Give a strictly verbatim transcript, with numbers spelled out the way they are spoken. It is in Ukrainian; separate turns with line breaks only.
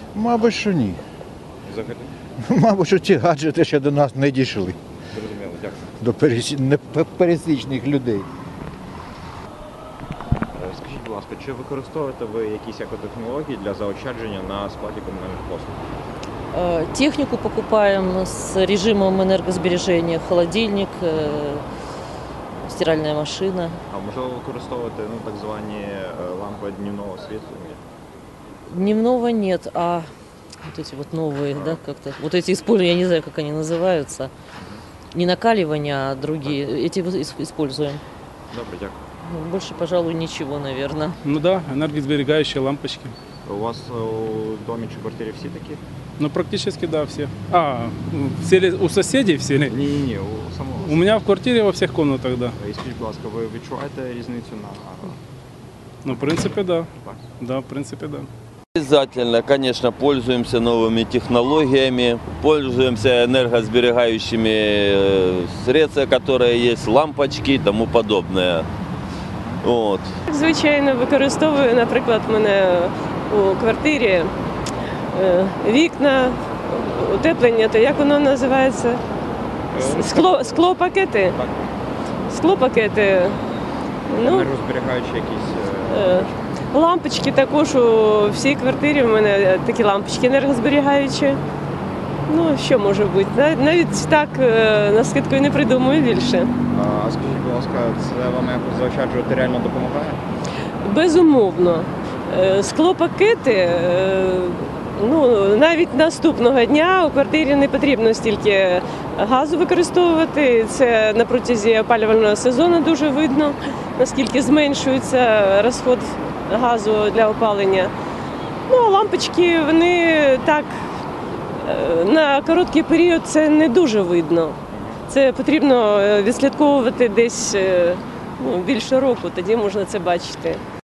Мабуть, що ні.
Взагалі?
Мабуть, що ці гаджети ще до нас не дійшли,
Зрозуміло, дякую.
до пересі- не- пересічних людей.
Е, Скажіть, будь ласка, чи використовуєте ви якісь екотехнології для заощадження на складі комунальних послуг?
Э, Технику покупаем с режимом энергосбережения, холодильник, э, стиральная машина.
А можливо використовувати ну, так звані е, лампи днівного освітлення?
Дневного нет, а вот эти вот новые, да, как-то, вот эти используем, я не знаю, как они называются, не накаливания, а другие, эти вот ис- используем.
Добре, дякую.
Ну, Больше, пожалуй, ничего, наверное.
Ну да, энергосберегающие лампочки.
У вас е, у домі чи квартирі всі такі?
Ну практически да, все. А, все ли- у соседей все ли?
Ні, ні, ні, у самого.
У меня в квартире во всех комнатах, да.
І скажіть, будь ласка, ви відчуваєте різницю на
Ну, в принципе, да.
так?
Да, в принципе, да.
Обязательно, конечно, пользуемся новыми технологиями, пользуемся энергосберегающими э, средствами, которые есть, лампочки и тому подобное. Вот.
Звичайно, використовую, наприклад, в мене у квартирі е, вікна, утеплення, то як воно називається?
Е,
Скло, склопакети.
Так,
Склопакети. Ну,
енергозберігаючі якісь. е,
е, лампочки також у всій квартирі в мене такі лампочки енергозберігаючі. Ну, що може бути? Нав- Навіть так е, на скидку і не придумую більше.
А скажіть, будь ласка, це вам якось заощаджувати реально допомагає?
Безумовно. Е, Склопакети, е, ну, навіть наступного дня у квартирі не потрібно стільки газу використовувати. Це на протязі опалювального сезону дуже видно, наскільки зменшується розход газу для опалення. Ну, а лампочки, вони так, е, на короткий період це не дуже видно. Це потрібно е, відслідковувати десь е, ну, більше року, тоді можна це бачити.